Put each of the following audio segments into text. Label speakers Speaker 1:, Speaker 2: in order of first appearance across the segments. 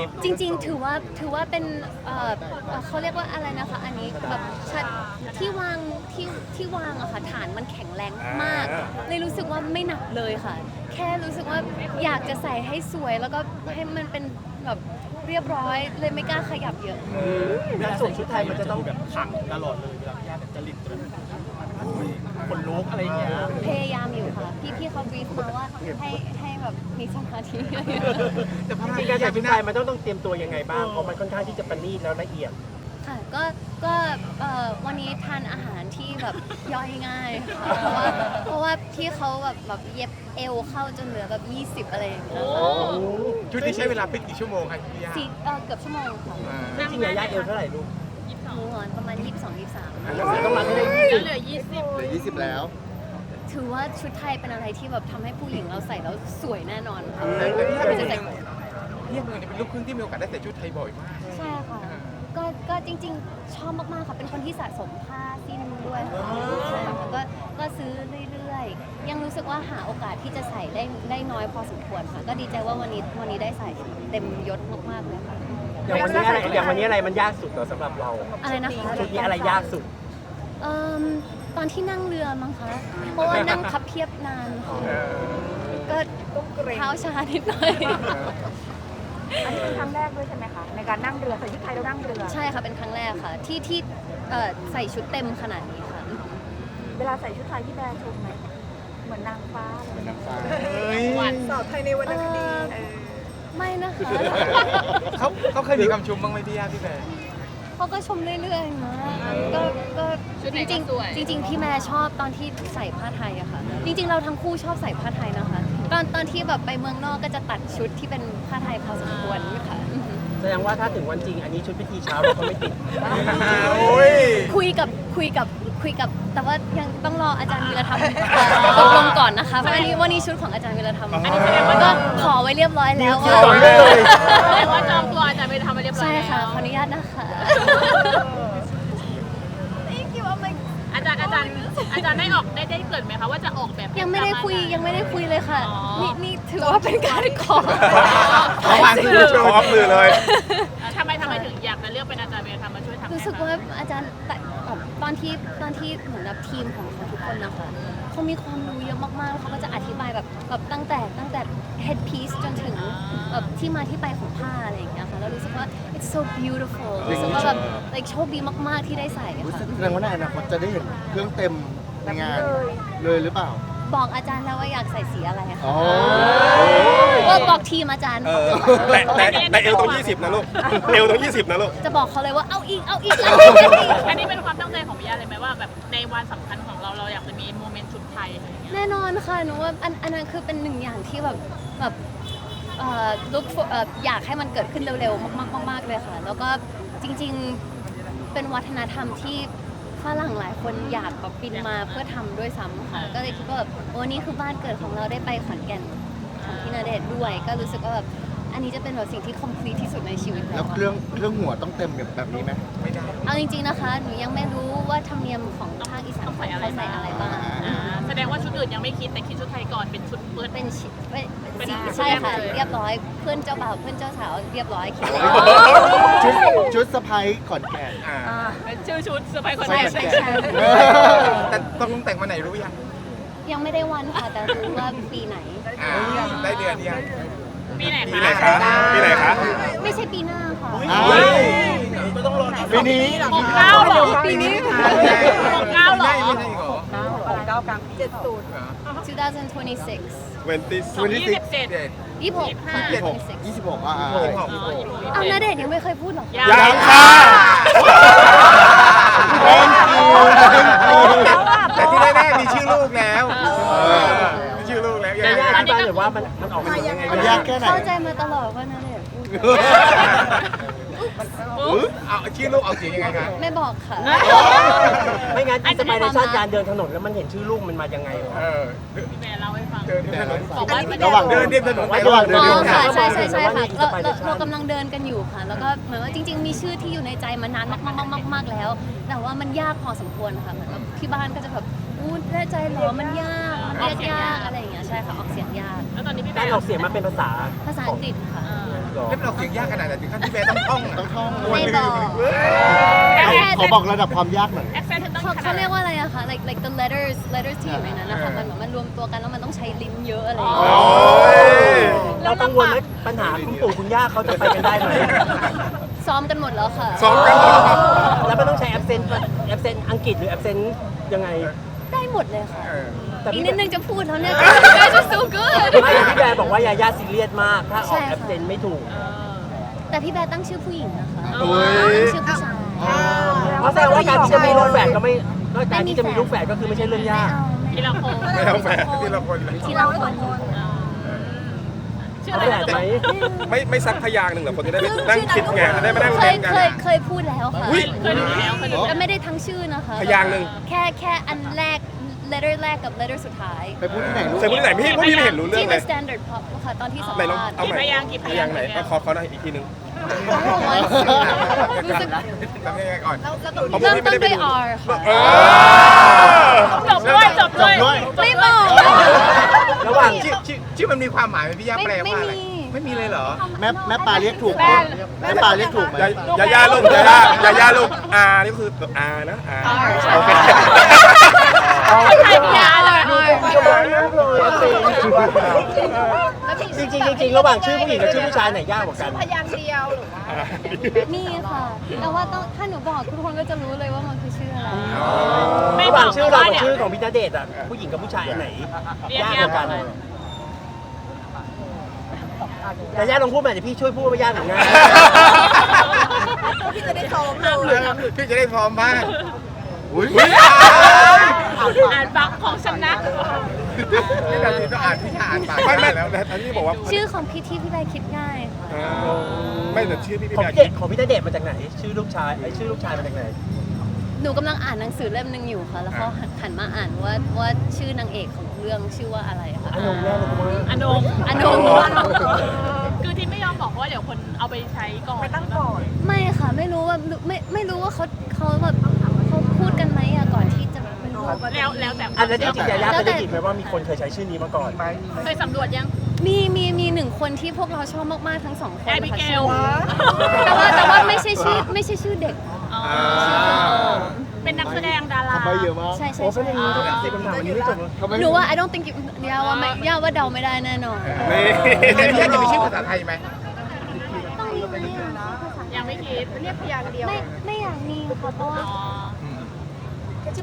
Speaker 1: จริงๆถือว่าเป็นเขาเรียกว่าอะไรนะคะอันนี้แบบชัดที่วางอะค่ะฐานมันแข็งแรงมากเลยรู้สึกว่าไม่หนักเลยค่ะ แค่รู้สึกว่าอยากจะใส่ให้สวยแล้วก็ให้มันเป็นแบบเรียบร้อยเลยไม่กล้าขยับเยอะ
Speaker 2: เวลาสวมชุดไทยมันจะต้องแบบขังตลอดเลยเวลาพี่ย่าแบบจริตคนลุกอะไรอย่างเงี้ย
Speaker 1: พยายามอยู่ค่ะ พี่เขาบีฟมาว่าให้แบบมีสมาธิ
Speaker 2: แต่จริงๆการใส่ชุดไทยมันต้องเตรียมตัวยังไงบ้างเพราะมันค่อนข้างที่จะประณีตแล้วละเอียด
Speaker 1: ค่ะก็วันนี้ทานอาหารที่แบบย่อยง่ายค่ะเพราะว่าพี่เขาแบบเย็บเอวเข้าจนเหลือแบบ20อะไรอย่างเงี้ยค่ะ
Speaker 3: ชุดนี้ใช้เวลาเป็นกี่ชั่วโมงครับพี่ย่า
Speaker 1: เกือบชั่วโมงค่ะ
Speaker 2: จริงๆย่าเอวเท่าไหร่ลูก
Speaker 1: หนูนอนประมาณ22-23
Speaker 2: ต้องมาให้ได้
Speaker 4: แล้วเหลือ 20
Speaker 5: เหลือ20 แล้ว
Speaker 1: ถือว่าชุดไทยเป็นอะไรที่แบบทำให้ผู้หญิงเราใส่แล้วสวยแน่นอนค่ะ
Speaker 3: แต่พี่ย่าเป็น
Speaker 1: จะใส่
Speaker 3: พี่ย่าเป็นลูกครึ่งที่มีโอกาสได้ใส่ชุดไทยบ่อยมาก
Speaker 1: ใช่ค่ะก็จริงๆชอบมากๆค่ะเป็นคนที่สะสมผ้าสิ้นด้วยค่ะใช่ค่ะก็ซื้อเรื่อยๆยังรู้สึกว่าหาโอกาสที่จะใส่ได้น้อยพอสมควรค่ะก็ดีใจว่าวันนี้ได้ใส่เต็มยศมากๆเลยค่ะ
Speaker 2: อย่างวันนี้อะไรมันยากสุดเหรอสำหรับเรา
Speaker 1: อะไรนะคะ
Speaker 2: ชุดนี้อะไรยากสุด
Speaker 1: ตอนที่นั่งเรือมั้งคะเพราะว่านั่งพับเพียบนานค่ะก็เท้าชานิดหน่อย
Speaker 4: อันนี้เป็นครั้งแรกด้วยใช่ไหมคะในการนั่งเรือใส่ชุดไทยแล้วนั่งเรือ
Speaker 1: ใช่ค่ะเป็นครั้งแรกค่ะที่ใส่ชุดเต็มขนาดนี้ค่ะ
Speaker 4: เวลาใส่ชุดไทยที่แบรนด์ชมไหมเหมือนนางฟ้าเลย
Speaker 5: เป็นน้ำฟ้า
Speaker 4: สาวไทยในวรรณคดี
Speaker 1: ไม่นะคะ
Speaker 3: เขาเคยมีคำชมบ้างไหมพี่ย่าพี่แบร์
Speaker 1: เขาก็ชมเรื่อยๆนะก็จริงๆพี่แม่ชอบตอนที่ใส่ผ้าไทยอะค่ะ จริงๆเราทั้งคู่ชอบใส่ผ้าไทยนะคะตอนที่แบบไปเมืองนอกก็จะตัดชุดที่เป็นผ้าไทยพอสมควรค่ะ
Speaker 2: แสดงว่าถ้าถึงวันจริงอันนี้ชุดพิธีเช้าเราก็ไม่ติด
Speaker 3: โอ้ย
Speaker 1: คุยกับแต่ว่ายังต้องรออาจารย์วีรธรรมตกลงก่อนนะคะเพราะวันนี้ชุดของอาจารย์วีรธรรมอันนี้แสดงว่าก็ขอไว้เรียบร้อยแล้วว่า
Speaker 4: แสดงว่าจองตัวอาจารย์ไปทำมาเรียบร้อย
Speaker 1: ใช่
Speaker 4: แล้ว
Speaker 1: ค่ะขออนุญาตนะคะ
Speaker 4: อาจารย์ได้ออกได้เกริดไหมคะว่าจะออกแบบ
Speaker 1: ยังไม่ได้คุยเลยค่ะ
Speaker 4: อ๋อ
Speaker 1: นี่ถือว่าเป็นการขอ
Speaker 3: เขาวางมือโชว์ออฟมือเลย
Speaker 4: ทำไมถึงอยากจะเลือกเป็นอาจารย์ไปทำมาช่วยทำ
Speaker 1: รู้สึกว่าอาจารย์ตอนที่เหมือนแบบทีมของทุกคนนะคะเขามีความรู้เยอะมากๆแล้วเขาก็จะอธิบายแบบตั้งแต่ head piece จนถึงแบบที่มาที่ไปของผ้าอะไรอย่างเงี้ยค่ะแล้วรู้สึกว่า it's so beautiful รู้สึกว่าแบบ like โชคดีมากๆที่ได้ใส่ค่ะ
Speaker 5: แสดงว่าในอนาคตจะได้เห็นเครื่องเต็มในงานเลยหรือเปล่า
Speaker 1: บอกอาจารย์แล้วว่าอยากใส่สีอะไรค่ะ
Speaker 5: อ๋อ
Speaker 1: ว่าบอกทีมอาจารย์
Speaker 3: แต่เอวตรง20นะลูกเอวตรง20นะลูก
Speaker 1: จะบอกเขาเลยว่าเอาอีก
Speaker 4: อันนี้เป็นความตั้งใจของพี่ยาเลยไหมว่าแบบในวันสำคัญของเราอยากจะมีโมเมนต์ชุดไทยอะไรอย่างเงี้ย
Speaker 1: แน่นอนค่ะหนูว่าอันนั้นคือเป็นหนึ่งอย่างที่แบบlook for อยากให้มันเกิดขึ้นเร็วๆมากๆเลยค่ะ แล้วก็จริงๆเป็นวัฒนธรรมที่ฝรั่งหลายคนอยากแบบบินมาเพื่อทำด้วยซ้ำค่ะ ก็เลยคิดว่าแบบโอ้นี่คือบ้านเกิดของเราได้ไปขอนแก่นของพี่ณเดชน์ด้วย ก็รู้สึกว่าแบบอันนี้จะเป็นแบบสิ่งที่ complete ที่สุดในชีวิต
Speaker 5: แล้
Speaker 1: แล้ว ว
Speaker 5: เครื่องหัวต้องเต็มแบบนี้ไหม
Speaker 3: ไม่ได้
Speaker 1: เอาจริงๆนะคะหนูยังไม่รู้ว่าธรรมเนียมของภาคอีสานเขาใส่อะไรบ้าง
Speaker 4: แสดงว่าชุดอื่นยังไม่คิดแต่คิดชุดไทยก่อนเป็นชุดเปิด
Speaker 1: เป็นสี
Speaker 4: เป็น
Speaker 1: ใช่ค่ะ
Speaker 4: แบบเลย
Speaker 1: เรียบร้อยเพื่อนเจ้าบ่าวเพื่อนเจ้าสาวเรียบร้อยคิด
Speaker 5: ชุดสะพายขอนแก่น
Speaker 4: เป็นชื่อชุดเซอร์ไพรส์คน
Speaker 5: ใช่
Speaker 4: แรก
Speaker 5: ใช่
Speaker 1: ใช่
Speaker 3: แต่ต้องแต่งมาไหนรู้ยัง
Speaker 1: ยังไม่ได้วันค่ะ แต่รู้ว่าปีไหน
Speaker 3: ได้เดือนยัง
Speaker 4: ปีไหน
Speaker 3: ปีไหนคะปีไหนคะ
Speaker 1: ไม่ใช่ปีหน้าค่ะ
Speaker 5: อ้าว
Speaker 2: ก็ต้องรอ
Speaker 5: ปีนี้
Speaker 4: 69เหรอปีนี้69เหรอ
Speaker 3: ไม่ใช่หรอ
Speaker 1: 2026
Speaker 4: 27
Speaker 1: 26ค่ะ
Speaker 5: 26อ่า
Speaker 1: เอาณเดชน์ยังไม่เคยพูดหรอคะ
Speaker 3: ยังค่ะแต่ที่แน่ๆมีชื่อลูกแล้วมีชื่อลูกแล้ว
Speaker 2: ย่าอธิบายหน่อยว่ามันออกมายังไง
Speaker 5: มันยากแค่ไหน
Speaker 1: เข้าใจมาตลอดว่าณเดชน์พูด
Speaker 3: เอาชื่อลูกเอาเสียงยังไงคะ
Speaker 1: ไม่บอกค่ะ
Speaker 2: ไม่งั้นที่จะไปในชาติการเดินถนนแล้วมันเห็นชื่อลูกมันมายังไง
Speaker 4: พี่แม่เล่าให้ฟัง
Speaker 3: เดินถนน
Speaker 4: บอกว่า
Speaker 5: ระหว่าง
Speaker 3: เดินเรียบถนนไป
Speaker 5: ระหว่างเดิน
Speaker 1: อ๋อ
Speaker 5: เรียบ
Speaker 1: ค่ะ
Speaker 5: ทาง
Speaker 1: ใช่ค่ะเรากำลังเดินกันอยู่ค่ะ แล้วก็เหมือนว่าจริง ๆ มีชื่อที่อยู่ในใจมานานมากๆแล้ว แต่ว่ามันยากพอสมควรค่ะเหมือนว่าที่บ้านก็จะแบบอู้แน่ใจเหรอมันยากมันเรียกยากอะไรอย่างเงี้ยใช่ค่ะออกเสียงยาก
Speaker 4: แล้วตอนนี้พี่แม่
Speaker 2: การออกเสียงมาเป็นภาษา
Speaker 1: ภาษาอังกฤษค่ะ
Speaker 5: หรอ
Speaker 3: เล่นเราเสียงยากขนาดไหนถึงขั้นที่แม่ต้องท่องต้องท่อง
Speaker 1: ไม่บอก
Speaker 5: ขอบอกระดับความยากหน่อย
Speaker 4: แอคเซนต์เธอต้อง
Speaker 1: เขาเรียกว่าอะไรอะคะ like the letters ที่อยู่ในนั้นนะคะมันเหมือนมันรวมตัวกันแล้วมันต้องใช้ลิ้นเยอะอะไรอย่างเงี้ย
Speaker 2: เรากังวลไหมปัญหาคุณปู่คุณย่าเขาจะไปกันได้ไหม
Speaker 1: ซ้อมกันหมดแล้วค่ะ
Speaker 3: ซ้อมกันเหรอครับ
Speaker 2: แล้วมันต้องใช้แอปเซนอังกฤษหรือแอปเซนยังไง
Speaker 1: ได้หมดเลยค่ะ
Speaker 2: แต่
Speaker 1: อีก
Speaker 2: พี่
Speaker 1: นิดนึงจะพูดแล้วเนี่ย guys are so good
Speaker 2: ไม่พี่แบร์บอกว่ายาย่าซีเรียสมาก ถ้าออกแอปเซนไม่ถูก
Speaker 1: แต่พี่แบร์ตั้งชื่อผู้หญิงนะคะ
Speaker 3: โอ้ย
Speaker 1: ตั้งชื่อผู้ชาย
Speaker 2: เพราะแสดงว่าการที่จะมีลูกแฝดก็ไม่การที่จะมีลูกแฝดก็คือไม่ใช่เรื่องยาก
Speaker 4: ทีละคน
Speaker 3: ไม่เอาแฝดทีละคนเลย
Speaker 1: ทีละคน
Speaker 4: ชื่อ
Speaker 2: เอา
Speaker 4: อะไร
Speaker 2: แฝดไหม
Speaker 3: ไม่ซักพยางค์หนึ่งเหรอคนจะได้ไปนั่งคิดไงจะได้มานั่ง
Speaker 1: เค
Speaker 3: เล่
Speaker 1: ย
Speaker 3: นกัน
Speaker 1: เคยพูดแล้วค่ะ
Speaker 3: อุ๊ย
Speaker 4: เคยดูแล้วเคยดู
Speaker 1: แต่ไม่ได้ทั้งชื่อนะคะ
Speaker 3: พยางค์หนึ่ง
Speaker 1: แค่อันแรก letter แรกกับ letter สุดท้าย
Speaker 5: ไปพูดที่ไหนลูก
Speaker 3: เซอร์พูดที่ไหนพี่พวกพี่ไม่เห็นรู้เรื่อ
Speaker 1: ที่
Speaker 3: งเล
Speaker 1: The
Speaker 3: ย
Speaker 1: Standard Pop ค่ะตอนที่สัม
Speaker 3: ไหนลอง
Speaker 1: ภาษณ์
Speaker 3: เอาใหม่พยางค์ไหนขอหน่อยอีกทีนึง
Speaker 1: รู้สึก
Speaker 3: ทำยังไงก่อน
Speaker 1: เริ่มต้นด้วย R ค่ะ
Speaker 4: จบด้วยจบด้วย
Speaker 1: ไม่บอก
Speaker 3: ระหว่างชื่อมันมีความหมายไหมพี่ย่าแปลว่าอะไร
Speaker 1: ไม่มี
Speaker 3: ไม่มีเลยเหรอ
Speaker 5: แม่ปลาเรียกถูกไหมแม่ปลาเรียกถูกไหม
Speaker 3: ยาย่าลูกยาย่าลูกนี่ก็คืออานะอาโอเค
Speaker 4: ใครพิยาเลย
Speaker 2: จริงๆระหว่างชื่อผู้หญิงกับชื่อผู้ชายไหนยากกว่ากัน
Speaker 1: มีค่ะ แต่ว่าต้องถ้าหนูบอกทุกคนก็จะรู้เลยว่ามันคือชื่ออะไร
Speaker 2: ระหว่างชื่อเรากับชื่อของพี่ณเดชน์อ่ะผู้หญิงกับผู้ชายอันไหน
Speaker 4: เรียก
Speaker 2: ยาก
Speaker 4: ยาก
Speaker 2: กว่ากัน
Speaker 4: กว่า
Speaker 2: แต่ย่าลองพูดใหม่เดี๋ยวพี่ช่วยพูดว่ายากหรือง่าย
Speaker 4: พี่จะได้ซ้อมเลย
Speaker 3: พี่จะได้พร้อมบ้างอุ้ย
Speaker 4: อ่านปากของฉันนะ
Speaker 3: นี่เราต้องอ่านพี่อ่านปากไม่แล้วอันนี้บอกว่า
Speaker 1: ชื่อของพี่ที่พี่ใบคิดง่ายค่ะ
Speaker 3: ไม่แต่ชื่อพี่
Speaker 2: ของ
Speaker 3: แบ
Speaker 2: พี่เด็กของพี่ณเดชน์มาจากไหน ชื่อลูกชายชื่อลูกชายมาจากไหน
Speaker 1: หนูกำลังอ่านหนังสือเล่มหนึ่งอยู่ค่ะ แล้วเขาหันมาอ่านว่าชื่อนางเอกของเรื่องชื่อว่าอะไรค่ะ
Speaker 2: อนงแน่เลยคุณว่า
Speaker 4: อนง
Speaker 1: อนง
Speaker 4: คือที่ไม่ยอมบอกว่าเดี๋ยวคนเอาไปใช้ก่อนไปตั้งก่อน
Speaker 1: ไม่ค่ะ ไม่รู้ว่าไม่รู้ว่าเขาแบบเขาพูดกันไหมอะก่อนที่จะเป็นรูป
Speaker 4: แล้วแต่
Speaker 2: อันนั้นจริงๆยาย่าเคยได้ยินไหมว่ามีคนเคยใช้ชื่อนี้มาก่อน
Speaker 4: เคยสำรวจยัง
Speaker 1: มีหนึ่งคนที่พวกเราชอบมากๆทั้งสองคน
Speaker 4: แอบิเก
Speaker 1: ค่ะ
Speaker 4: ล
Speaker 1: แต่ว่าไม่ใช่ชื่อเด็ก
Speaker 4: อ๋อ
Speaker 1: ชื่อคนโอม
Speaker 4: เป็นนักแสดงดารา
Speaker 5: ทำไปเยอะมาก
Speaker 1: ใช่
Speaker 2: โอ้เป็นอย่างนี้ต้องสิบคำถามวันนี้ไม่จบเลย
Speaker 5: ทำไม
Speaker 1: หนูว่า I don't think ย่าว่าเดาไม่ได้แน่นอน
Speaker 3: นี่พี่จะมีชื่อภาษาไทยไหม
Speaker 1: ต้องมีไหมอะ
Speaker 4: ยังไม่คิดเรียกพยางค์เดียว
Speaker 1: ไม่อยากมีค่ะเพราะว่า
Speaker 4: อ๋อ
Speaker 1: เบียร์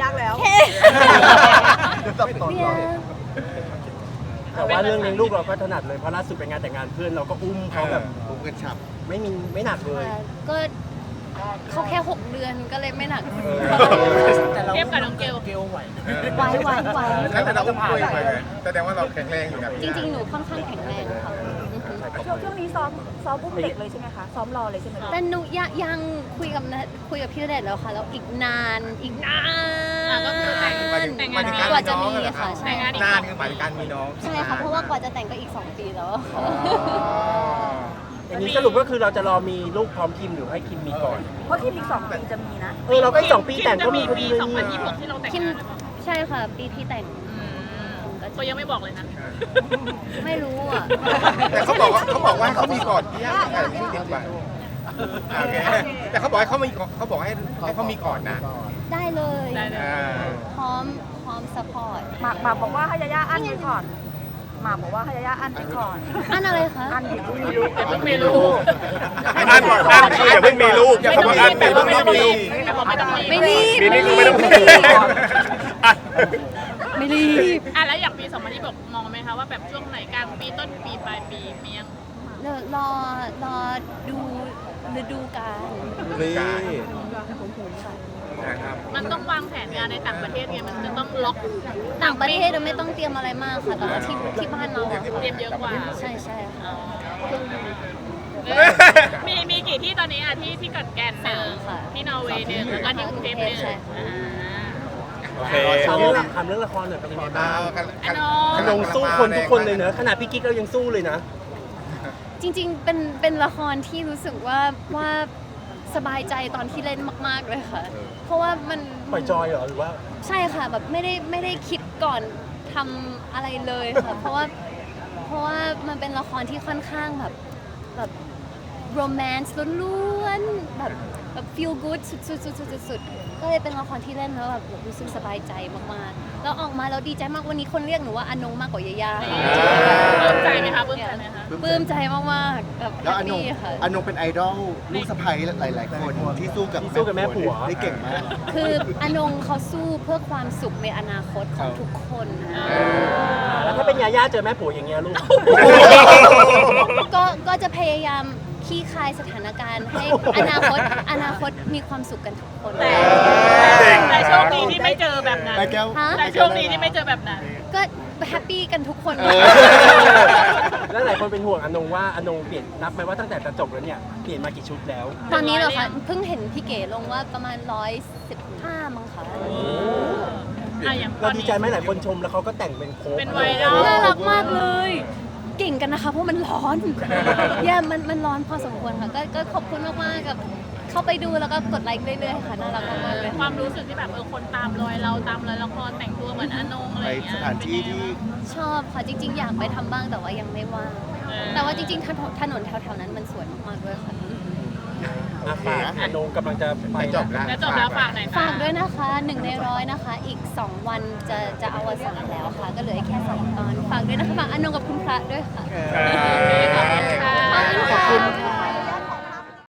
Speaker 2: แต่ว่าเรื่องเลี้ยงลูกเราก็ถนัดเลยเพราะล่าสุดไปงานแต่งงานเพื่อนเราก็อุ้มเขาแบบ
Speaker 5: ผมกันฉับ
Speaker 2: ไม่หนักเลย
Speaker 1: ก็เขาแค่ 6 เดือนก็เลยไม่หนัก
Speaker 4: เทียบกับน้องเกล
Speaker 1: ไหว
Speaker 3: แล้วแต่เราอุ้มคุยไปไงแสดงว่าเราแข็งแรงอยู่นะ
Speaker 1: จริงๆ หนูค่อนข้างแข็งแรงค่ะ
Speaker 6: ช่วงนี้ซ้อมอุ้มเด็กเลยใช่ไหมคะ ซ้อมรอเลยใช่ไหมคะ
Speaker 1: แต่หนูยังคุยกับพี่ณเดชน์แล้วค่ะ แล้วอีกนาน
Speaker 4: ก็คือแต่ง
Speaker 3: หมายถึง
Speaker 1: กว่าจะมีค่ะใช่
Speaker 3: นานคือหมายถึงการมีน้อง
Speaker 1: ใช่ค่ะ เพราะว่ากว่าจะแต่งก็อีก 2 ปีแล้วอะค่ะ
Speaker 2: อย่างนี้สรุปก็คือเราจะรอมีลูกพร้อมคิมหรือให้คิมมีก่อน
Speaker 6: เพราะทีมอีก2 ปีจะมีนะ
Speaker 2: เราก็อีก2 ปีแต่งก็มีพอดีเลย
Speaker 4: ปี
Speaker 2: นี่
Speaker 4: 2026ที่เราแต่ง
Speaker 1: คิม
Speaker 4: งานหรือเปล่า
Speaker 1: ใช่ค่ะ ปีที่แต่ง
Speaker 4: ก็ยังไม่บอกเลยนะ
Speaker 1: ไม่รู้อ่ะ
Speaker 3: แต่เขาบอกว่าเขามีก่อนพี่ย่าแต่ไม่ได้ติดไปโอเคแต่เขาบอกให้เขามีก่อนนะ
Speaker 1: ได้เลย
Speaker 4: ได้เลย
Speaker 1: พร้อมซัพพอร์ต
Speaker 6: หมากบอกว่าให้ยาย่าอั้นไว้ก่อน หมากบอกว่าให้ยาย่าอั้นไว้ก่อน
Speaker 1: อันอะไรคะ
Speaker 6: อั้นเดี๋ยวพรุ่งนี้ลูก
Speaker 4: แต่เพิ่งมีลูก
Speaker 3: อันคืออย่าเพิ่งมีลูกอย่าเพิ่งอันมีลูกไม่มี
Speaker 4: แต่บอกไม่ต้องรีบ
Speaker 1: ไม่รีบ
Speaker 3: ปีนี้คือไม่ต้อง
Speaker 1: ไม่รีบ
Speaker 4: แล้วอย่างปี2026มองไหมคะว่าแบบช่วงไหนกลางปีต้นปีปลายปีมียัง
Speaker 1: รอดูฤดูกาล
Speaker 3: นี่
Speaker 1: ค่ะ
Speaker 3: นะครับ
Speaker 4: มันต้องวางแผนงานในต่างประเทศไงมันจะต้องล็อก
Speaker 1: ต่างประเทศเราไม่ต้องเตรียมอะไรมากค่ะ แต่ว่าที่บ้านเราอะ
Speaker 4: เตรียมเยอะกว่า
Speaker 1: ใช่ค่ะ
Speaker 4: มีกี่ที่ตอนนี้อ่ะที่กอนแก่นหนึ่งที่นอร์เวย์หนึ่งแล้วก็ที่กรุงเทพหนึ่ง
Speaker 3: โอเค
Speaker 2: ถามเรื่องละครหน่อยเป็นยังไงบ้างขนงสู้คนทุกคนเลยเนอะขนาดพี่กิ๊กเรายังสู้เลยนะ
Speaker 1: จริงๆ เป็นละครที่รู้สึกว่าสบายใจตอนที่เล่นมาก ๆ เลยค่ะ เพราะว่ามัน
Speaker 2: ปล่อยจอยเหรอหรือว่า
Speaker 1: ใช่ค่ะแบบไม่ได้คิดก่อนทำอะไรเลยค่ะ เพราะว่ามันเป็นละครที่ค่อนข้างแบบแบบโรแมนต์ล้วนๆแบบ feel good สุดๆก็เลยเป็นละครที่เล่นแล้วแบบรู้สึกสบายใจมากๆแล้วออกมาแล้วดีใจมากวันนี้คนเรียกหนูว่าอนงมากกว่ายาย่า
Speaker 4: ปลื้มใจไหมคะปลื้มใจไหมคะ
Speaker 1: ปลื้มใจมากๆแบบแฮ
Speaker 5: แล้ว
Speaker 1: ป
Speaker 5: อนง
Speaker 1: ปี้ค่ะ
Speaker 5: อนงเป็นไอดอลลูกสะใภ้หลาย ๆ คนที่สู้กับแม่ผัวได้เก่งมาก
Speaker 1: คืออนงเขาสู้เพื่อความสุขในอนาคตของทุกคนนะ
Speaker 2: แล้วถ้าเป็นยาย่าเจอแม่ผัวอย่างเงี้ยลูก
Speaker 1: ก็จะพยายามขี้คายสถานการณ์ให้อนาคตมีความสุขกันทุกคน
Speaker 4: แต่โชคดีที่ไม่เจอแบบนั้น
Speaker 5: แม่แก้ว
Speaker 1: ฮะ
Speaker 4: แต่โชคดีที่ไม่เจอแบบนั้น
Speaker 1: ก็แฮปปี้กันทุกคน
Speaker 2: แล้วหลายคนเป็นห่วงอนงว่าอนงเปลี่ยนนับไหมว่าตั้งแต่จะจบแล้วเนี่ยเปลี่ยนมากี่ชุดแล้ว
Speaker 1: ตอนนี้เหรอคะเพิ่งเห็นพี่เก๋ลงว่าประมาณ115มั้งคะ
Speaker 4: อย่างต
Speaker 2: เรา
Speaker 4: อน
Speaker 2: ดี
Speaker 4: นี้
Speaker 2: ใจไหมหลายคนชมแล้วเขาก็แต่งเป็นโค้ก
Speaker 4: เป็นไวรัล
Speaker 1: น่ารักมากเลย เก่งกันนะคะเพราะมันร้อนมันร้อนพอสมควรค่ะก็ขอบคุณมากๆกับเข้าไปดูแล้วก็กดไลค์เรื่อยๆค่ะน่ารักมากๆเลย
Speaker 4: ความรู้สึกที่แบบคนตามรอยเราตามรอยละครแต่งตัวเหมือนอนงอะไร
Speaker 5: ไป
Speaker 4: อย่างเงี้ย
Speaker 5: สถานที่ที่
Speaker 1: ชอบค่ะจริง ๆ อยากไปทำบ้างแต่ว่ายังไม่ว่างแต่ว่าจริงๆถนนแถวๆนั้นมันสวยมากๆด้วยค่ะ
Speaker 2: ฝากอนงกำลังจะไป
Speaker 3: จบแล้ว
Speaker 4: แล้วจบแล้วฝากไหนอย
Speaker 1: ฝากด้วยนะคะ1 ใน 100นะคะอีก2 วันจะอวสานแล้วค่ะ ก็เหลือแค่2 ตอนฝากด้วยนะคะฝากอนงกับคุณพระด้วยค่ะ
Speaker 4: ขอบคุณค่ะ
Speaker 1: ขอบคุณค่ะ